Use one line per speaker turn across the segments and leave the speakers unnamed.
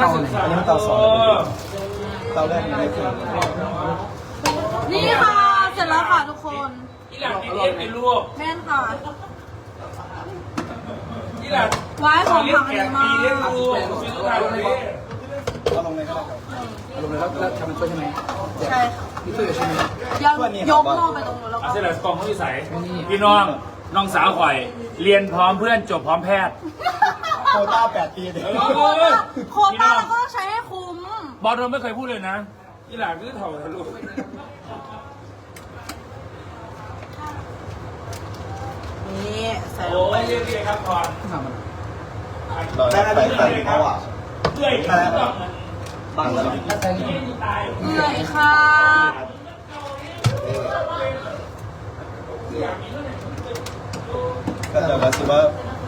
เตาไหนอันนี้มันเตาสองเตาแรกไม่ขึ้น
นี่ค่ะเสร็จแล้วค่ะทุกคน
อีหลังกินเองเป็นลูก
แม่นค่ะ
อีหลัง
ไว้ของผักดีมาก
เรียกลูกซื้อทานเลย
เอาลงเลยก็ได้ครับเอาลงเลยแล้วทำมันช่วยใช่ไหม
ใช่ค่ะ
นี่ช่วยใช่ไหม
ยังยกหม้อไปตรงนู้นแล้วก็
เสร็จแล้วกล่องเขาที่ใส่พี่น้องน้องสาวข่อย เรียนพร้อมเพื่อนจบพร้อมแพทย์
โคต้า8 ปีเลย
โควต้าเราก็ต้องใช้ให้คุ้ม
บอลเราไม่เคยพูดเลยนะอีหลังคือเถ่าทะลุ
นี่ใส่ล
โอ้
งไป
ยเรียกครับก่อน
ได้ใส่เขาอ่ะ
เพื่อยกินต้อง
ตั้งแล้ว
เอื่อยค่ะ
ก็จะมาซื้อว่า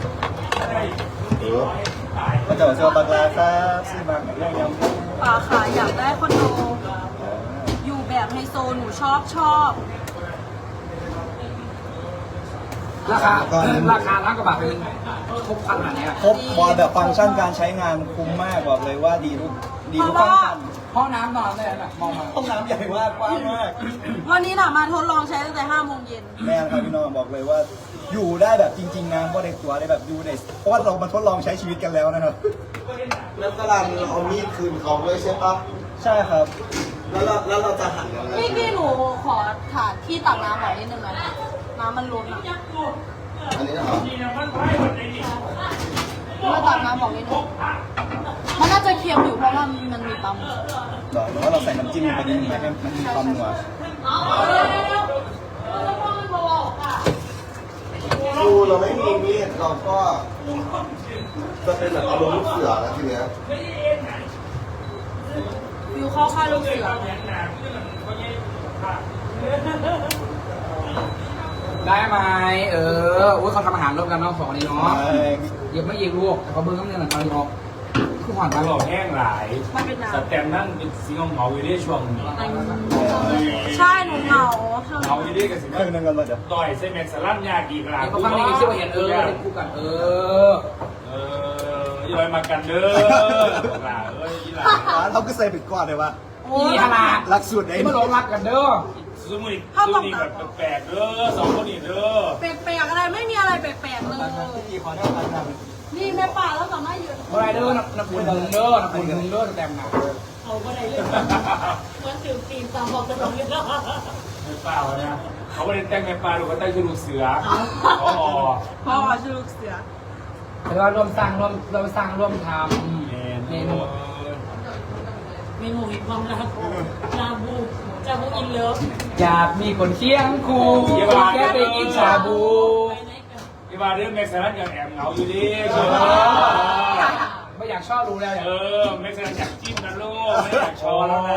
ก็จะมาซื้อว่าบักลาครับซื้อบักเรื่องยำ
ป่าค่ะอยากได้คอนโดอยู่แบบไฮโซหนูชอบ
ราคาล้านกว่าบาทเป็นครบพันขนาดนี้
ครบบอลแบบฟังก์ชันการใช้งานคุ้มมากบอกเลยว่าดีทุกฟังก์ชัน
ห้องน้ำนอนได้แบบมองมา
ห้องน้ำใหญ่มากกว้างมาก
วันนี้น่ะมาทดลองใช้ตั้งแต่5 โมงเย็น
แม่ครับพี่น้องบอกเลยว่า อยู่ได้แบบจริงๆนะว่าในตัวได้แบบอยู่ในเพราะว่าเรามาทดลองใช้ชีวิตกันแล้วนะครับ
แล้วกำลังเอามีดคืนเขาด้วยใช่ปะ
ใช่ครับ
แล้วเราจะหันยังไง
พี่หนูขอถาดที่ตักน้ำหน่อยนิดนึงนะน้ำมันล้นอ่ะ
อันนี้นะครับ
มาตักน้ำบอกนิดนึงมันน่าจะเค็มอยู่เพราะว่ามันมีปลาหมึก
หรือว่าเราใส่น้ำจิ้มลงไปนิดนึงให้มันมีความนัว
ดูเราไม่มีมีดเราก็จะเป็นแบบอารมณ์ลูกเสือแล้วทีเนี้ย
ฟิวเข้าค่ายลูกเสือ
ได้ไหมอุ้ยเขาทำอาหารร่วมกันน้องสองนี้เนาะเดี๋ยวไม่ยิงลูกแต่เขาเบิ้งน้ำเงินหนังตอนนี้เนาะคือหวาน
ต
มาก
ลอดแห้งหลาย
มันเป็นน้
สแตมนั่งเป็นสีเหงาอยู่ในช่วงนี้
ำใช่หนูเหงา
เหงาอยู่ในกับสิ
เครื่องนึงกันมาเดี๋ยว
ต่อยเซเมนสลัมยากีกลา
เขาฟังในคลิปว่าเห็นเป็นคู่กัน
ย่อยมากันเด้อหลาเอ้ยอีหลา
เราก็ใส่ปิดก้อนเลยว่า
นี่ขนาด
หลักสูตรไหน
ที่มาลงรักกันเด้อ
ซูมุยซูนี่แบบแปลกๆเด้อสองคนนี้เด้อ
แปลกๆอะไรไม่มีอะไรแปลกๆเลย
กี่ขอเท่ากันครับ
นี่แม่ป่าแล้วสามารถยืน
เมื่อไรเด้อน้ำปุ่นหนึ่งเด้อน้ำปุ่นหนึ่งเด้อแต้มหนัก
มันถือปีนตามบอกกันตรงนี้
ไม่เปล่านะเขาไม่ได้แต่งในปลาหรือว่าแต่งชุดลูกเสืออ๋อ
พ่อชื่อลูกเสือ
แต่ว่าร่วมสร้างร่วมทำเมนู
เมนูมีความรักชาบูอินเลิฟ
อยากมีคนเคียงคู่แค่ไปกินชาบู
ที่มาเรื่องแม็กซ์นันยังแอบเหงาอยู่ดิ
ไม่อยากชอบรู้แล้ว
แม็กซ์นันอยากจิ้มนะลูกไม่อยากชอแล้วนะ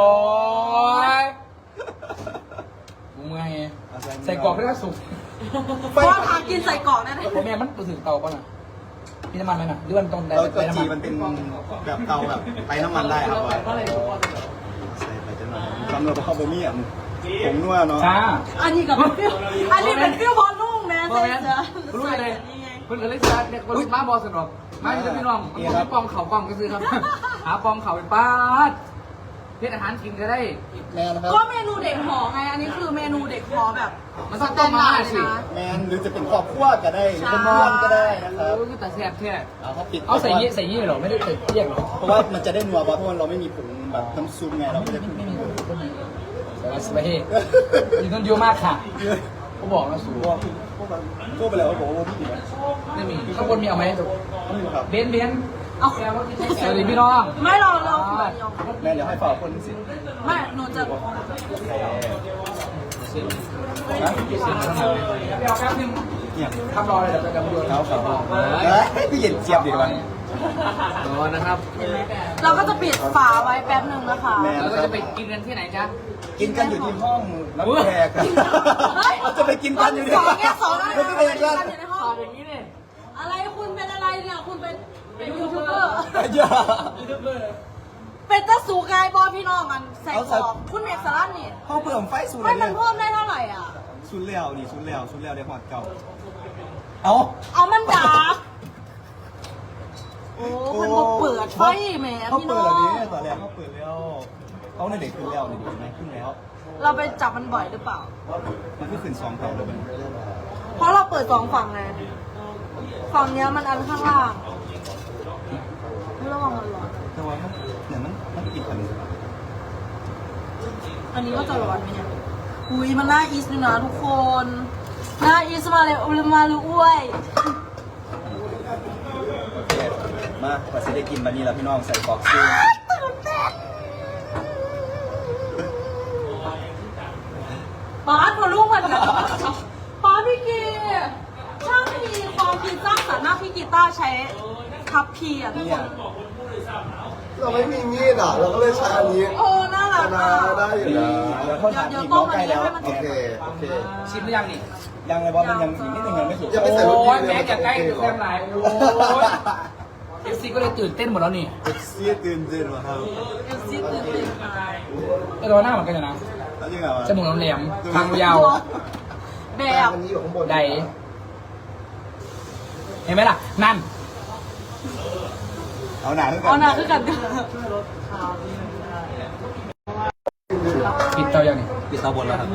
มึงไงใส่กรอกได้สุก
พ่อทานกินใส่กรอกได้ไหม
ผมแม่มันถึงเตาป่ะน่ะมีน้ำมันไหมน่ะหรือมันต้องได้
เรา
ไป
ตัว
น้ำ
จี
มั
มัน นเป็นแบบเตาแบบไปน้ำมันได้ครับว่าใส่ไปจนทำเราไปเข้าบะหมี่อ่ะผงนัวเนาะ
จ้า
อันนี้กับฟิวอันนี้เป็นฟิวบอลนุ่งแม่
พ่อ
ใส่
แม่
เสื้อ
รู้เลยเพื่อนเลยจะเนี่ยคนมาบอสนอกมาที่พี่น้องมันปองเข่าปองก็ซื้อครับหาปองเข่าไปป้าดเพื่ออาหารกินก็ได้
แมนนะครับ
ก็เมนูเด็กหอไง อันนี้คือเมนูเด็กหอแบบ
มันต้องต้มมาสิ
แมนหรือจะเป็นครอบครัวก็ได้หรือเป็นเพื่อนก็ได้นะครับ
แต่แซ่บแค่
เขาปิด
เอาใส่ยี่หรอไม่ได้ใส่เรียกหรอ
เพราะว่ามันจะได้นัวเพราะว่าเราไม่มีผงแบบน้ำซุปไงเราไม่ได้
ไม่มีแต่ว่าสบายอยู่ต้นเยอะมากค่ะเขาบอกนะสู
พวกพวกไปแล้วบอกว่าพี่
ไม่มีข้างบนมีเอาไหม
ไม่มีครับ
เบนเอาสวัสดีพี่น้อง
ไม่เรา
แม่เดี๋ยวให้ฝากคนสิ
ไม่หนูจะ
เอาแป๊บนึง
เนี่ย
ทำรอเลยเดี๋ยวจะกำลังโยน
เขาฝากพี่เย็นเจี๊ยบดีกว่า
นะครับ
เราก็จะปิดฝาไว้แป๊บหนึ่งนะคะ
เราก็จะไปกินกันที่ไหนจ๊ะ
กินกันอยู่ที่ห้องรับแขกเราจะไปกินกันอยู่ที่
สองแค่สองอะไร
เราจะไปกินกัน
อยู่ในห้อง
อย่างนี้เนี่ย
อะไรคุณเป็นอะไรเนี่ย คุณเป็นยูทูบเบอร์
อย่า
เป็นตะสูกายบอพี่น้องมันใส่ของคุณเมกสลัดนี่
ห้องเพิ่มไฟสูน
ไม่
เลย
มันเพิ่มได้เท่าไหร่อ่ะ
สูนแล้วนี่สูนแล้วได้หอดเก่าเอา
เอามันดาบโอ้มันบ่เปิดดไฟแหม
เขา
พี่
เปิ
น้
ด
อ
เหรอ
ง
เนี่ยตอนแรกเขาเปิดแล้วเขาในเด็กขึ้นแล้วนี่ดูไหมขึ้นแล้ว
เราไปจับมันบ่อยหรือเปล่า
มันก็ขึ้น2เท่าเลยมัน
เพราะเราเปิด2ฝั่งไงฝั่งเนี้ยมันอันข้างล่างระวังมันร้อน
แต่ว่ามันเนี่ยมันปิดอันนี้
อันนี้ก็จะร้อนไหมเนี่ยอุ้ยมันน่าอีสด้วยนะทุกคนน่าอีสมาเลยอุลมาลูอ้วย
มาพอสิได้กินบันนี้แล้วพี่น้องใส่ฟอกซิล
ตื่นเต้นป้าพอลูกมันแบบป้าพี่กีช่างมีความคิดสร้างสรรค์มากพี่กีต้าใช้ทับพีอ่ะทุกคน
เราไม่มีมีดอ่ะเราก็เลยใช้อันนี้
โอ้น่ารัก
นา
อ่ะ
ได้อยู่นะ
แล้วเขาถามอีกน้องใกล้แล้ว
โอเคโอเค
ชิมหรือยังนี่
ยังเลยบอลมันยังอีกนิดนึงยังไม่สุก
ยังไม่ใส่รส
โอ้
ดี
ยแม่จะใกล้ถึงแซมหลายโอ้ยเอฟซีก็เลยตื่นเต้นหมดแล้วนี่
เสียตื่นเต้นว่ะครับ
เอฟซีตื่นเต้นมา
ไอ้ตัวหน้าเหมือนกันอยู่นะ
แล้วยังไงวะ
จมูกแหลมๆทางยาว
แบบ
อันนี้อยู่ข้างบน
ใดเห็นไหมล่ะ นั่น
เอาหนาขึ้นกั
เอาหน้าคือกัน
ปิดเตายังนี่
ปิดเตาบนแล้วครับ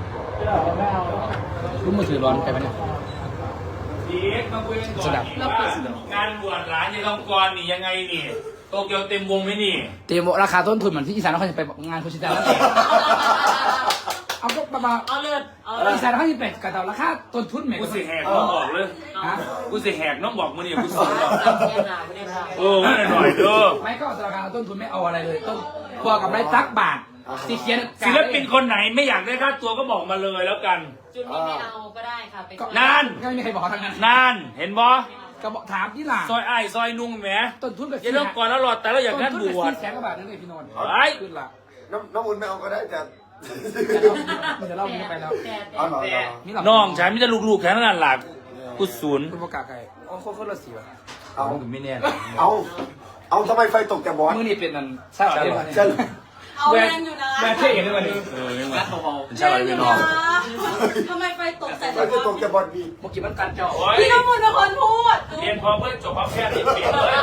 รุ่นมือถือร้อนไปไหมเนี่ย
พีทมาคุยกันก่อน
สดับ
ว่างานบวชหลานยายทองกรนี่ยังไงนี่โตเกียวเต็มวงไหมนี่
เตรียมราคาต้นทุนเหมือนที่อีสานเขาจะไปงานโคชิตาแล้วเอาก็ประมาณ
เอาเลือดเอาเลือด
อีสานเขาจะไปกระเต่าราคาต้นทุนแหม่
กูสิแหกน้องบอกเลย
ฮะ
กูสิแหกน้องบอกมึงนี่กูสอนหรอก
แค่หนาไม่ได้ทำ
เออไม่หน่อยเด้อ
ไม่ก็ราคาต้นทุนไม่เอาอะไรเลยต้นพอกับไรสักบาทสีเขียน
ศิลปินคนไหนไม่อยากได้ค่าตัวก็บอกมาเลยแล้วกัน
จุดนี้ไม่เอาก็ได้ค่ะไป
นั่น
ก็ไม่มีใครบอกเขาทั้งนั้น
นั่นเห็นบ่
ก็บอกถามที่หลัง
ซอยอ้ายซอยนุ่งแหม
ต้นทุนกับ
ยายทองกรแล้วรอดแต่เราอยากงานบวช
แสนกว่าบาทนั่นเลยพี่นนท์
ไอ้
ขึ้นละ
น้ำอุ่นไม่เอาก็ได้แต่
มันจะเล่านี้ไปแล้ว
เอาหน่อย
นี่หลับ
น้องฉันไมแต่จะลูกๆแค่นั้นหลักกูศูนย์
คุณประกาศใครอ๋อโคตรละสีวะ
เอา
ไม่แน่
เอาทำไมไฟตกแต่บอส
มือนี่เป็นนั่นใช่หรอเดี๋ยว
ใช่
เอาแรงอยู่นะ
แม่เท่กันด้วยวันนี้
เออไม่มาเป็น
แร
ชาวไรง
อ
เวีย
ยู่
นนอ
นะ
ก
ทำไมไฟตกใส่
ไฟ
ตัว
ตกแต่บอสดี
เมื่อกี้มันกันเจาะ
โอ้ย
พี่น้ำมูลเป็นคนพูด
เรียนพอเพื่อนจบพร้อมแพทย์นี่เปลี่ยนเลย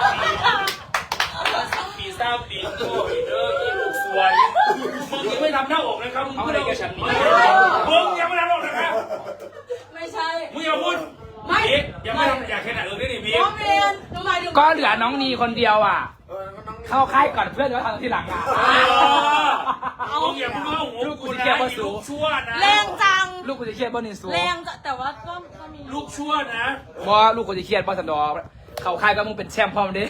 ปีเศร้าปีโตปีเด้อยี่ลูกสวยมึงยังไม่ทำหน้าอกนะครับมึง
เอา
พู
อะ
ด
ไร
เอา
แกฉันนี่
มึงยังไม่ทำหน้าอกนะครับ
ไม่ใช่
มึงอย่าพูด
ไม่
พีทยังไม่ทำอยากแค่ไหนได้ดิพี
น้
ท
องเรียนทำไมถึง
ก็เหลือน้องนีคนเดียวอ่ะ เข้าค่ายก่อนเพื่อนแล้วทำทีหลังอ่ะ
มึงอย่าพูดว่าหัวกูนะลูกชั่วนะ
แรงจัง
ลูกกูจะเครียดบ่นิสู
แรงจะแต่ว่าก็มี
ลูกชั่วนะ
บ่ลูกกูจะเครียดบ่สันดอเข้าค่ายก็มึงเป็นแชมป์พร้อมเด้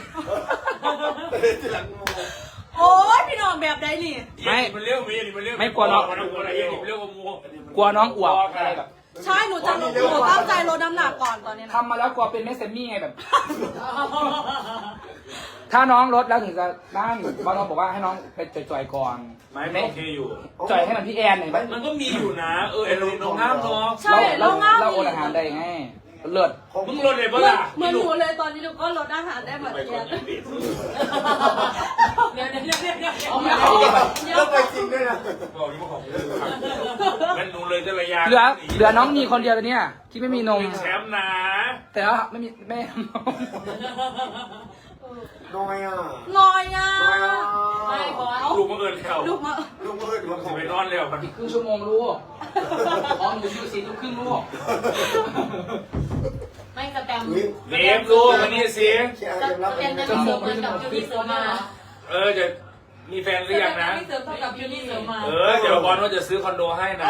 โอ้ยพี่น้องแบบใดนี่
มันเลี้ยวมีมันเลี้ยวมันเลี้ยวกับมู
กลัวน้องอวบอะไรแบบ
ใช่หนูจะหนูตั้งใจลดน้ำหนักก่อนตอนนี้นะ
ทำมาแล้วกลัวเป็นแม่เซมมี่ไงแบบ ถ้าน้องลดแล้วถึงจะได้บางน้องบอกว่าให้น้องไปจ่อยๆก่อน
ไม่โอเคอยู่
จ่อยให้มันพี่แอนหน่อยไหม
มันก็มีอยู่นะเอ็นลงน้ำเนาะ
ใช่เราง่าย
เราโอนอาหารได้ไงเลิศ
มึงลดเลย
เห
ปะ
มือน
ล่ะ
เหมือนหนูเลยตอนนี้หนูก็ลดอาหารได้เหมือนกัน
เดี๋ยวเดี๋ยวเดี๋ยวเดี๋ยว
แล้วไปจริงด้วยนะ
บอกยี่ห้องั้นหนูเลยจะระยะ
เหลือน้องนีคนเดียวเลยเนี่ยที่ไม่มีนม
แชมป์นะ
แต่ว่าไม่มีแม่นม
น้อยอ่ะ
น้อยอ่ะ
ไม่บอส
ลูกมาเอิญแล้ว
ลูกมา
ลูกเอ้ยลูก
จะไปนอนแล้วมัน
อีกครึ่งชั่วโมงลูกอ๋อหนูอยู่4 ทุ่มครึ่งลูก
ไม่สแตม
เนมลูกวันนี้สิ
แค่
ส
ยังรับ
แตมจะมีเสริมเหมือนกับยูนิเสริมมา
จะมีแฟนหรือยังนะ
ไม่เสริมเท่ากับยูนิเสริมมา
เดี๋ยวบอลว่าจะซื้อคอนโดให้นะ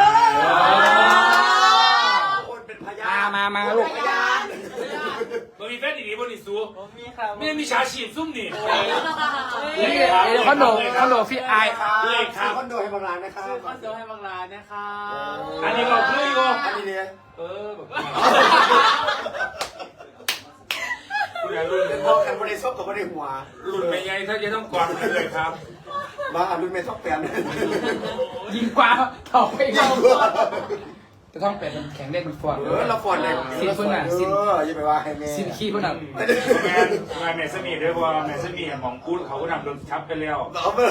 คนเป็นพยาน
มาลูก
มันมีแฟนดีๆบนอีซูไม่ได้มีชาชีพซุ่มนี่
เดี๋ยวคอนโดพี่ไอ
เลยครับ
คอนโดให้บางร้านนะครับ
คอนโดให้บางร้านนะคะ
อันนี้ก็คืออยู่
อันนี้เนี่ย
คุณอย่ารุ่น
เป็นพวกแคนบริสุทธิ์กับบริหัว
รุ่นไม่ใหญ่ถ้าจะต้องกอดเลยครับ
มารุ่นเมทัลแปน
ยิงกว่าถอกไป
ยิ
เข้าง
กว่า
จะต้องเป็นมันแข็งเล่นมันฟอด
เราฟอนเลยอย่าไปว่าให้แม่
ซินขี้พวกนั้น
งานแมสมีด้วยเพราะแมสมีหมองพูดเขาก็นำโดนชับไปแล้ว
เอาไป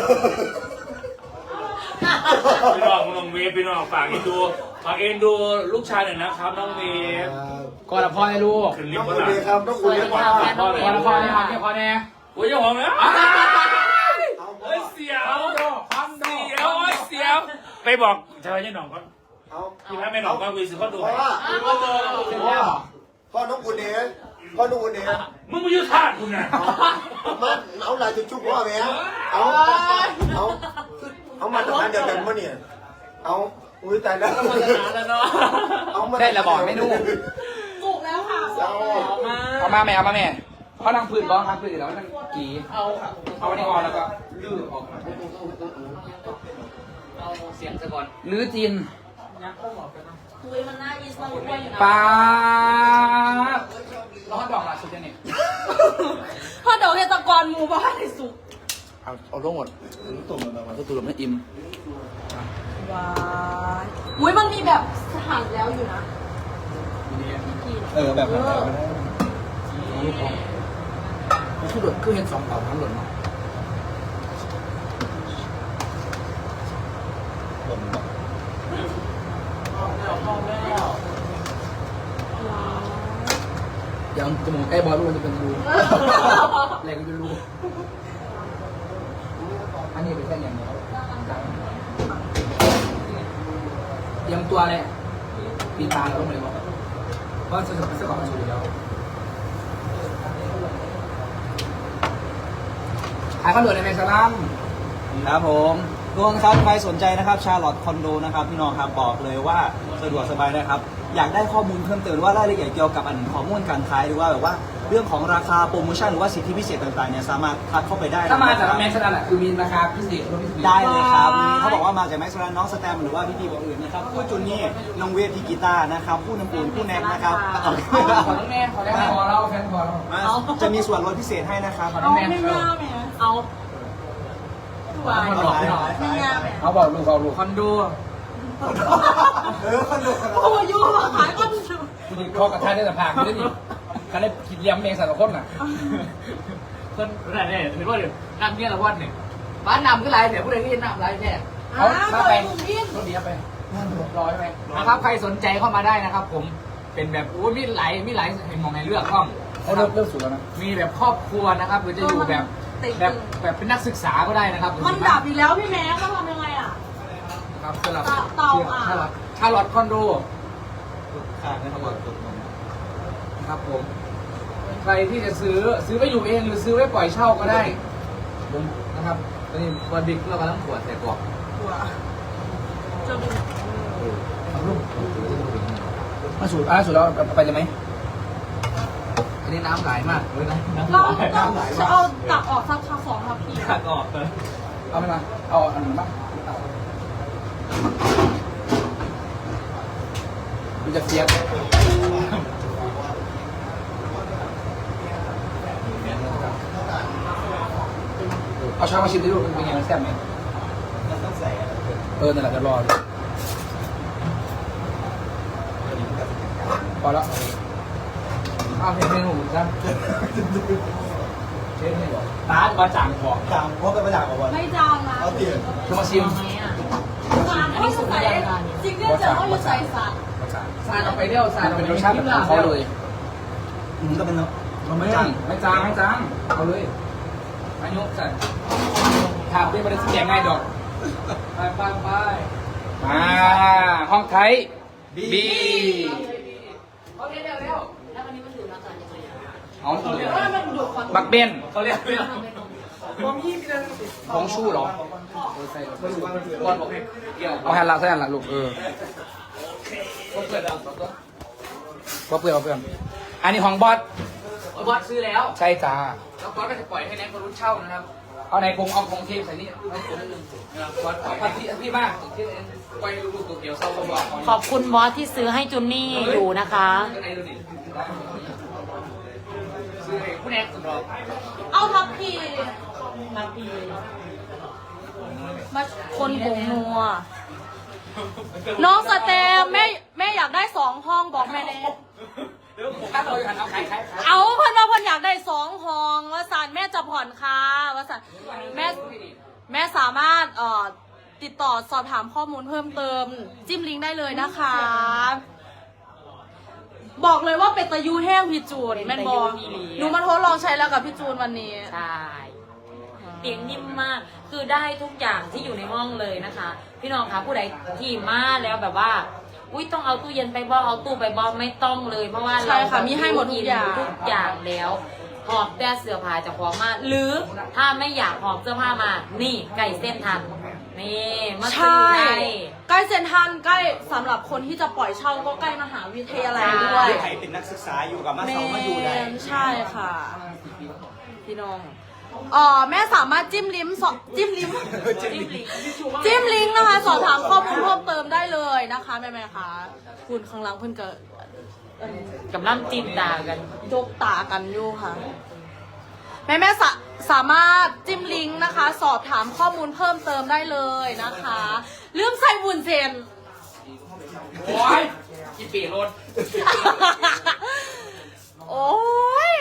พี่น้องน้องเวฟพี่น้องฝากเอ็นดูลูกชายหน่อยนะครับน้องเวฟ
ก่อนละพ่อให้ลูก
ขึ้นลิ
น้
ฟ
อง
ต์
คุ
บนหลัง
ณเบครับน้องคุณเบ
ก่อนละพ่อให้พ่อแน่
เโอ้ยเจ้าของแล้ว
เอา
เฮ้ยเสียว
คอนโด
เสียวเสียวไปบอกชาวบ้านยังหนองก็
เอา
พี่พระแม่หนองก็วีสิเขาดู
เพราะว่าพ่อน้องคุณเอ๋พ่อน้องคุณเอ๋
มึงมายืดทาดกูนะ
มาเอาลายจุ๊บพ่อแม่เอามาตรฐานเดียวกันมั้เนี่ยเอาอุ้ยตายแล้วเอามา
ได้ระบอกไม่รู้
สุกแล้วค่ะ
เอามาแม่เขานั่งพื้นบ้องนั่งพื้นแล้วนั่งกี่เอาอันนี้ออกแล้วก็ลื้อออกเอาเสียงซะก่อนลื้อจีน
คุยมันน่าอีสมาลุกไปอยู่นะ
ปาดร้อนดอกละสุดยังนี่
พ่อเดี๋ยวเฮตะกรหมูบ้านในสุก
เอาลงหมดตุ่มให้อิ่ม
ว้ายอุ้ยมันมีแบบหั่นแล้วอยู่นะ
แบบนั้น
คือหลุดคือเห็น2 เต่าทั้งหลุดเนาะยังจมูกใกล้บอลลูนจะเป็นรูแรงก็จะรูอันนี้เป็นแค่อย่างเดียวเตรียมตัวเลยปีตาเราต้องเลยบอกว่าจะเป็นสกอร์มาชูอยู่แล้วขายข้าวเหนียวในแมงสลัม
ครับผมทุกคนครับใครสนใจนะครับชาร์ลอตคอนโดนะครับพี่น้องครับบอกเลยว่าสะดวกสบายนะครับอยากได้ข้อมูลเพิ่มเติมว่ารายละเอียดเกี่ยวกับข้อมูลการขายหรือว่าแบบว่าเรื่องของราคาโปรโมชั่นหรือว่าสิทธิพิเศษต่างๆเนี่ยสามารถทักเข้าไปได้
ถ้ามาจากแมงสลัมคือมีราคาพิเศษลดพิเศษ
ได้เลยครับนี่เขาบอกว่ามาจากแม็กซ์แลนน้องสแตมหรือว่าพี่ๆคนอื่นนะครับผู้จุนนี่น้องเวทพี่กีตาร์นะครับผู้น้ำปูนผู้แน็กนะครับ
ขอน้องแม่ขอได้พอเราแฟนพอเรา
จะมีส่วนลดพิเศษให้นะครับ
เอาไม่ง่ายไหมเอาวายไม่ง่ายไหม
เขาบอกลูกเขาลูกคอนโด
คอนโด
โอ้ยยูมาขายก้อนชู
คุณยิงข้อกระทะได้แต่ผ่านไม่ได้ดิเขาได้คิดเลี้ยงแมงสารพัดน่ะคนนี่เห็นว่าเดี๋ยวน้ำเนี่ยละวันเนี่ยบ้านนำก็ไรเดี๋ยวผู้ใดก็ยินนำไรแน่เขามาไปรถเดียวไปร้อยไปนะครับใครสนใจเข้ามาได้นะครับ ผมเป็นแบบโอ้มีหลายเห็นมองในเลือกห้องเขาเริ่มสุดแล้วนะมีแบบครอบครัวนะครับหรือจะอยู่แบบเป็นนักศึกษาก็ได้นะครับ
มันดับอีกแล้วพี่แม่ก็ทำยังไงอ่ะ
ครับสำหรับ
เตาอ่ะ
ชาร์ลอตคอนโด
ขาดนะครับ
ครับผมใครที่จะซื้อไว้อยู่เองหรือซื้อไว้ปล่อยเช่าก็ได้นะครับตอนนี้วันบิ๊กเรากำลังขวดแต่กรอบ
จะมี
มาสูตรแล้วไปเลยไหมอันนี้น้ำไหลมากเลยนะ
เราจะเอาตักออกสัก2 ทัพพี
ขาดออกเลย
เอาไปมาเอาอันนั้นบ้างดูจะเสียบเอาช้างมาชิมดิลูกเป็นไงมันแซ่บไหม
ต้องใส่
นั่นแหละจะรอเลยพอแล้วเอาเพลงหนูจ้ะเชฟนี่บอกตามาจางบอก
จางเพราะเป็นประหยัดกว่าวัน
ไม่จางนะ
เอาเตียน
คือมาชิม
สารเขาจะใส่จริงๆเจอเขาจะใส่สาร
สารเอาไปเดี่ยวสารเป็นรสชาติของเขาเลย
ก็เป็น
ไม่จางเอาเลยอายุใส่ถามเป็นประเด็นเสียงง่ายดอกไปมาห้องไทยบีเอาเร็ว
แล้ววันนี้มันอยู่แล้วกันยังไงอ่ะ
เอา
มันดูดควัน
บักเบน
เขาเรียกเรื่อง
ของชู้หรอก้อนบอกให้เอาแฮนด์ละใส่แฮนด์ละลูกก็เพื่อนอันนี้ของบอสซื้อแล้วใช่จ้าแล้วบอสก็จะปล่อยให้แน็กมารุ่นเช่านะครับเอาในเอาของเทปใส่นี่ให้ผมบอสปล่อยพี่มากปล่อยลูกตัวเดียวเศร้าก็บอก
ขอบคุณบอสที่ซื้อให้จุนนี่อยู่นะคะ
ซื้อให้ผู้แน็กสำรอง
เอาทัพพี
มาปี
มาคนผงนัวน้องสเตมแม่อยากได้2 ห้องบอกแม่เนท
ถ้าเราอยู่หันเอาขาย
เอาเพิ่นว่าเพิ่นอยากได้2 ห้องว่าสันแม่จะผ่อนค่ะว่าสันแม่สามารถติดต่อสอบถามข้อมูลเพิ่มเติมจิ้มลิงก์ได้เลยนะคะบอกเลยว่าเป็นตะยูแห้งพี่จูน
เป็น
แม่น
ตะ
บ
ยู
อ
อีหลี
หนูมาทดลองใช้แล้วกับพี่จูนวันนี้
ใช่เตียงนิ่มมาก คือได้ทุกอย่างที่อยู่ในห้องเลยนะคะ พี่น้องคะผู้ใดที่มาแล้วแบบว่า อุ้ยต้องเอาตู้เย็นไปบ่เอาตู้ไปบ่ไม่ต้องเลย เพราะว่า
ใช่ค่ะมีให้หมดทุกอย่าง
ทุกอย่างแล้วหอบแต่เสื้อผ้าจะของมา หรือถ้าไม่อยากหอบเสื้อผ้ามา นี่ไก่เส้นทัน นี่มาซื้
ใช่
อได้
ใกล้เซ็นทรัลใกล้สำหรับคนที่จะปล่อยเช่าก็ใกล้มหาวิทยาลัยด้วย
ใครเป็นนักศึกษาอยู่กับมาเซามาอยู่ได้
ใช่ค่ะ พี่น้องแม่สามารถจิ้มลิงก์จิ้มลิงก์จิ้มลิงก์นะคะ สอบถามข้อมูลเพิ่มเติมได้เลยนะคะแม่ๆคะคุณข้างหลังเพิ่นก็
กำลังจิ้มตากัน
ยกตากันอยู่ค่ะแม่สามารถจิ้มลิงก์นะคะ สอบถามข้อมูลเพิ่มเติมได้เลยนะคะลืมใส่บุญเซน
โอ้ยกินปีรถ
โอ้ย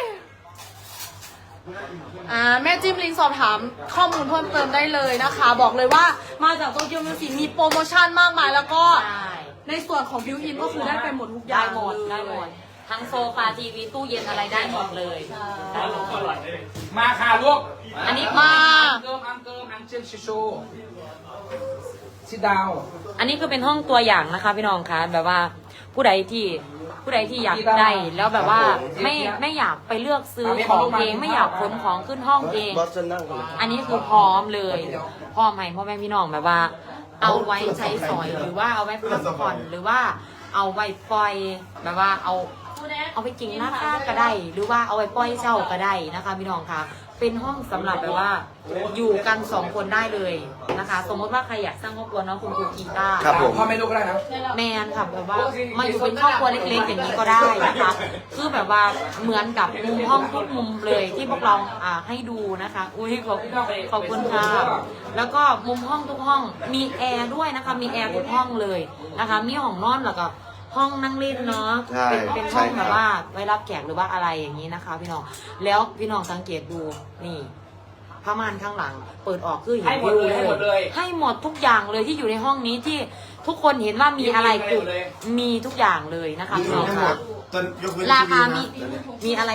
แม่จิ้มลิงก์สอบถามข้อมูลเพิ่มเติมได้เลยนะคะ บอกเลยว่ามาจากโตเกียวมิวสิกมีโปรโมชั่นมากมายแล้วก็
ใช่
ในส่วนของบิวอินก็คือได้ไปหมดทุกอ
ได้
ย่าง
หมด
เลย
ได้หมด ทั้งโซฟาทีวีตู้เย็นอะไรได้หมดเลยได้หมด
มาค่ะลูก
อันนี้
มา
อังเชิญชูซิดาว
อันนี้คือเป็นห้องตัวอย่างนะคะพี่น้องคะแบบว่าผู้ใดที่อยากได้แล้วแบบว่าไม่อยากไปเลือกซื้อของเองไม่อยากขนของขึ้นห้องเอง
บอสจะนั่งกัน
อันนี้คือพร้อมเลยพร้อมให้พ่อแม่พี่น้องแบบว่า เอาไว้ใช้สอยหรือว่าเอาไว้พักผ่อนหรือว่าเอาไว้ปล่อยแบบว่าเอาไปกินหน้าค่าก็ได้ หรือว่าเอาไว้ปล่อยเช่าก็ได้นะคะพี่น้องคะเป็นห้องสำหรับแบบว่าอยู่กัน2 คนได้เลยนะคะ สมมติว่าใครอยากสร้างครอบครัวเนาะคุณครูกีตาร์
ครับผม
พ่อไม่ลูกก็ได้นะ
แมนค่ะแบบว่ามาอยู่เป็นครอบครัวเล็กๆอย่างนี้ก็ได้นะคะคือแบบว่าเหมือนกับมุมห้องทุกมุมเลยที่พวกเราให้ดูนะคะอุ้ยขอบคุณค่ะแล้วก็มุมห้องทุกห้องมีแอร์ด้วยนะคะมีแอร์ทุกห้องเลยนะคะมีห้องนอนแล้วก็ห้องนั่งเล่นเนาะ
ใช่
เป็น
ใช่
ห้อง
ครับ
แบบว่าไว้รับแขกหรือว่าอะไรอย่างนี้นะคะ พี่น้องแล้วพี่น้องสังเกตดูนี่ผ้าม่านข้างหลัง เปิดออกคือเห็น
ให้หมดเลย
วิว
ให้หมดเลย
ให้หมดทุกอย่างเลยที่อยู่ในห้องนี้ที่ทุกคนเห็นว่ามีอะไรคือมีทุกอย่างเลยนะคะพี่น้องค่ะ
ตอนยกเว้น
ราคา
ทีวีนะ
มีอะไร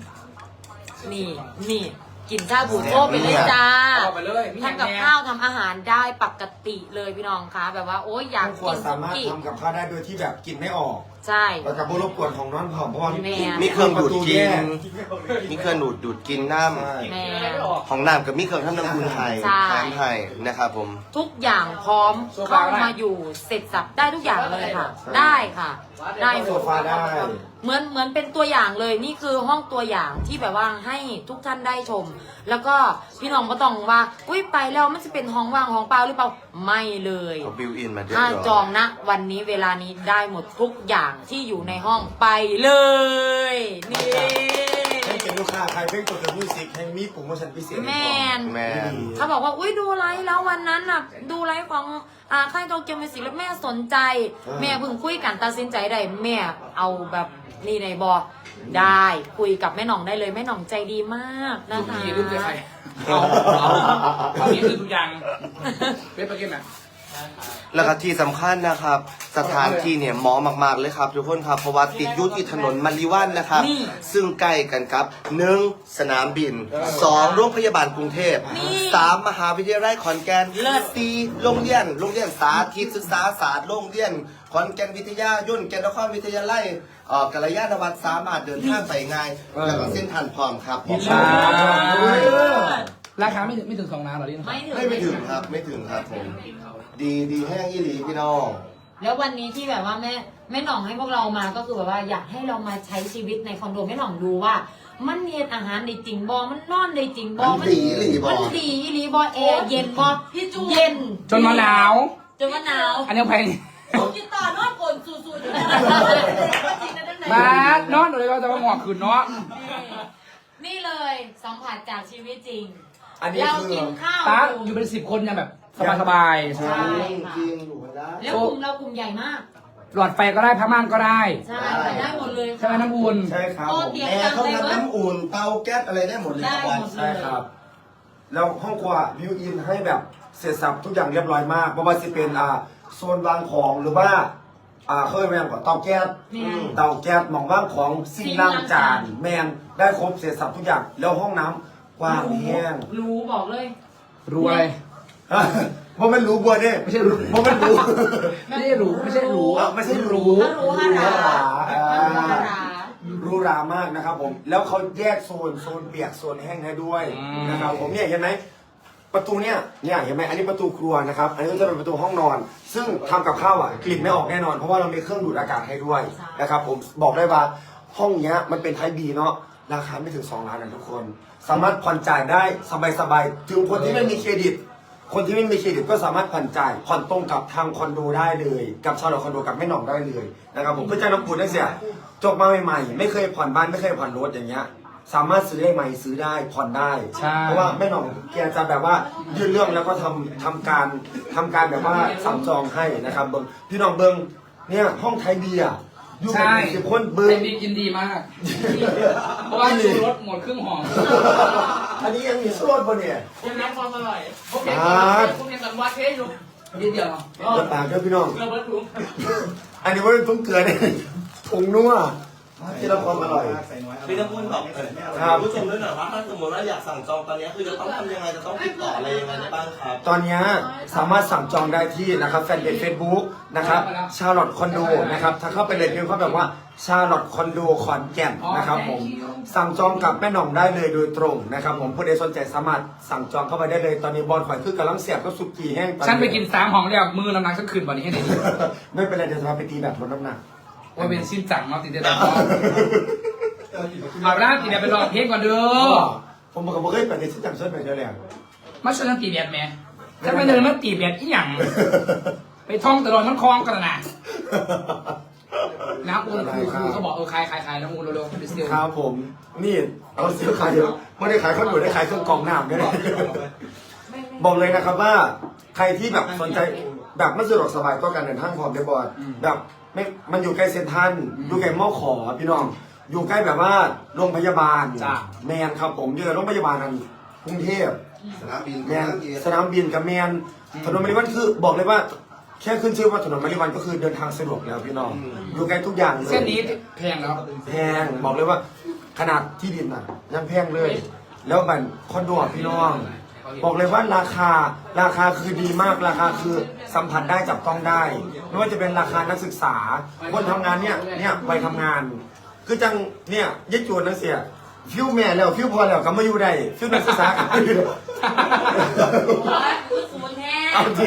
นี่กินชาบูโต้ไปเลยจ้า
เอาไปเลยมีอย่าง
ทำกับ
แน่
ข้าวทำอาหารได้ปกติเลยพี่น้องคะแบบว่าโอ๊ยอยาก
ครัว
กิน
สา
สุ
มารถ
กี้
ทำกับข้าวได้โดยที่แบบกินไม่ออก
ใช่
แล้วกับรบกวนของน้องผอมเพราะว่า
แม่
มีเครื่องดูดกิน
แย
มีเครื่องดูดกินน้
ใช่
แม่
ำของน้ำกับมีเครื่องทำน้ำอุ่นไทย
ใช่
แถมไทยนะครับผม
ทุกอย่างพร้อมเข้ามาอยู่เสร็จสับได้ทุกอย่างเลยค่ะ ได้ค่ะ ได้หม
โซ
ด
ฟาได้
เหมือนเป็นตัวอย่างเลยนี่คือห้องตัวอย่างที่แบบว่าให้ทุกท่านได้ชม แล้วก็พี่น้องก็ต้องว่าอุ้ยไปแล้วมันจะเป็นห้องว่างห้องเปล่าหรือเปล่าไม่เลย
เอาบิวอินมาเรียบ
ถ้า
ร้อย
จองนะวันนี้เวลานี้ได้หมดทุกอย่างที่อยู่ในห้องไปเลยนี่
ให้เป็นลูกค้าใครเพ่งตัวเดอะมิวสิกแห่งมีโปรโมชั่นพิเศษ
แมน
แม่น
เขาบอกว่าอุ้ยดูไลฟ์แล้ววันนั้นน่ะดูไลฟ์ของค่ายโตเกียวมิวสิกแล้วแม่สนใจ แม่เพิ่งคุยกันตัดสินใจได้แม่เอาแบบนี่ในบอได้คุยกับแม่หน่องได้เลยแม่หน่องใจดีมากนะ
ลูก
คะ
พี่ลูกใครเอานี้คือทุกอย่างเป็นประเก็นไหม
แล้วก็ที่สำคัญนะครับ สถานที่เนี่ยเหมาะมากๆเลยครับทุกคนครับเพราะว่าติดอยู่ที่ถนนมาริวันนะครับ
นี่
ซึ่งใกล้กันครับ1สนามบิน2โรงพยาบาลกรุงเทพ
นี่
3มหาวิทยาลัยขอนแก่น
เลิศ
4โรงเรียนสาธิตศึกษาศาสตร์โรงเรียนขอนแก่นวิทยายุ่นแก่นนครวิทยาลัยกัลยาณวัฒน์สามารถเดินทางไปง่ายแล้วก็เส้นทางพร้อมครับผม
ราคาไม่ถึง2 ล้านหรอลิน
ไม่ถึงครับไม่ถึงครับผมดีแห้งยี่หลีพี่น้อง
แล้ววันนี้ที่แบบว่าแม่หน่องให้พวกเรามาก็คือแบบว่าอยากให้เรามาใช้ชีวิตในคอนโดแม่หน่องดูว่า มันเย็นอาหารได้จริงบอมันนอนได้จริงบอ
มันดีอีหลีบ่
มันดีอีหลีบอแอร์เย็นบอ
พี่จู
เย็น
จนมาหนาว
จนมะนาว
อันนี้แพง
กินต่อนอนกลนสูๆอยู่นะจริงนะด้านใน
มานอนเลยว่าจะมาหงอกขืนเนาะ
นี่เลยสัมผัสจากชีวิตจริง
อันนี้
เรา
คือ
กินข้าว
ตา
อยู่
อยู่เป็น10 คนยังแบบสบาย
ใช่
จริงอยู่กันได้
แล้วกลุ่มเรากลุ่มใหญ่มาก
ๆหลอดไฟก็ได้ผ้าม่านก็ได้
ใช่ไปได้หมดเลย
ใช่ไหมน้ำอุ่น
ใช่ครับ
โอ้
ผม
เตียง
แอร์
กลาง
เขา
เลย
ทำ
เว้ย
น้ำอุ่นเตาแก๊สอะไรได้หมดเลย
ได้
ครับ
หมด
ใช่ครับ แล้วห้องครัวบิวอินให้แบบเสร็จสับทุกอย่างเรียบร้อยมากไม่ว่าจะเป็นโซนวางของหรือว่าเคยแมนกว่าเตาแก๊สเตาแก๊สหมองว่างของสิ่งล้างจานแมนได้ครบเศษสับทุกอย่างแล้วห้องน้ำกว้างแห้ง
รู้บอกเลย
รู้อะไร
เพราะมันรู้บัวเนี่ย
ไม่ใช่รู้
เพราะมันรู้
ไม่ได้รู้ไม่ใช่รู้
ไม่ใช่รู้
รู้ฮารา
รู้รามากนะครับผมแล้วเขาแยกโซนเปียกโซนแห้งให้ด้วยนะครับผมเนี่ยเห็นไหมประตูเนี่ยเห็นไหมอันนี้ประตูครัวนะครับอันนี้ก็จะเป็นประตูห้องนอน ซึ่งทำกับข้าวอ่ะกลิ่นไม่ออกแน่นอนเพราะว่าเรามีเครื่องดูดอากาศให้ด้วยนะครับผมบอกได้ว่าห้องเนี้ยมันเป็นไทยบีเนาะราคาไม่ถึง2 ล้านนะทุกคน สามารถผ่อนจ่ายได้สบายๆถึงคนที่ไม่มีเครดิต คนที่ไม่มีเครดิตก็สามารถผ่อนจ่ายผ่อนตรงกับทางคอนโดได้เลยกับชาวคอนโดกับแม่หน่องได้เลยนะครับผมเพื่อจ้างน้ำปูนได้เสียจบมาใหม่ๆไม่เคยผ่อนบ้านไม่เคยผ่อนรถอย่างเงี้ยสามารถซื้อได้ไหมซื้อได้ผ่อนได้
ใช่
เพราะว่าแม่หน่องแกจะแบบว่ายื่นเรื่องแล้วก็ทำการแบบว่าสั่งจองให้นะครับเบิ้งพี่น้องเบิ้งเนี่ยห้องไทยเบียร์อยู่กัน10 คนเบิ้
ไอ้
ง
บิ๊กยินดีมาก เพราะว่าชูรถหมดครึ่งห่อ
อันนี้ยังมีโซนปะเนี่ย
ยังน้ำความอร่อยโอเคผมยังกันวัดเทสอยู่นิดเดียว
จะปากเด้อพี่น้อง
เกลือเบิร์ดถุง
อันนี้ว่าเป็นถุงเกลือเนี่ยถุงนัวที่เราความอร่อย
พี่น้ำอุ่นบอกครับผู้ชมด้วยหน่อยว่าถ้าสมมติว่าอยากสั่งจองตอนนี้คือจะต้องทำยังไงจะต้องติดต่ออะไรยังไงได้บ้างครับ
ตอนนี้สามารถสั่งจองได้ที่นะครับแฟนเพจ Facebook นะครับชาร์ลอตคอนโดนะครับถ้าเข้าไปเลยพิมพ์เขาแบบว่าชาร์ลอตคอนโดขอนแก่นนะครับผมสั่งจองกับแม่หน่องได้เลยโดยตรงนะครับผมผู้ใดสนใจสามารถสั่งจองเข้าไปได้เลยตอนนี้บอลข่อยคือกำลังเสียบก็สุกี้แห้ง
ฉันไปกิน3 ห่องแล้วมือน้ำหนักฉันขึ้นกว่านี้ให้ได้ดี
ไม่เป็นไรเดี๋ยวจะพาไปตีแบบลดน้ำหนัก
ว่าเป็นสิ้นจังเนาะติดเดียวแต่เอาละติดเดียวไปรอเพลงก่อนเด้อ
ผมบอกว่าเคยไปในที่จังเชิญไปเดียวแหละ
มาช่วยกันตีแบบแม่ถ้าไม่เดินมาตีแบบอีหยังไปท่องตลอดมันคลองกันนะน้ำอูนคือเขาบอกขายน้ำอูนเร็วๆไปเซียว
ครับผมนี่เอาซื้อขายเยอะไม่ได้ขายข้าวหนูได้ขายเครื่องกรองน้ำด้วยนะบอกเลยนะครับว่าใครที่แบบสนใจแบบไม่สะดวกสบายก็การเดินทางพร้อมได้บอดแบบไม่มันอยู่ใกล้เซ็นทรัลอยู่ใกล้มอขอพี่น้องอยู่ใกล้แบบว่าโรงพยาบาลแมนครับผมอยู่โรงพยาบาลนั้นกรุงเทพ
สนามบิน
แมนสนามบินกับแมนถนนมาริวันคือบอกเลยว่าแค่ขึ้นชื่อว่าถนนมาริวันก็คือเดินทางสะดวกแล้วพี่น้องอยู่ใกล้ทุกอย่างเลย
เส้นนี้แพงแล้ว
แพงบอกเลยว่าขนาดที่ดินน่ะยังแพงเลย แล้วมันคอนโดอ่ะพี่น้อง บอกเลยว่าราคาคือดีมากราคาคือสัมผัสได้จับต้องได้ไม่ว่าจะเป็นราคานักศึกษาคนทำงานเนี่ยไปทำงาน คือจังเนี่ยยึดจวนนักเสียฟิวแม่แล้วฟิวพอแล้วก็มาอยู่ได้ฟิวนักศึกษาก็มาอยู่ได้
คือศูนย์แท้
เอาจริง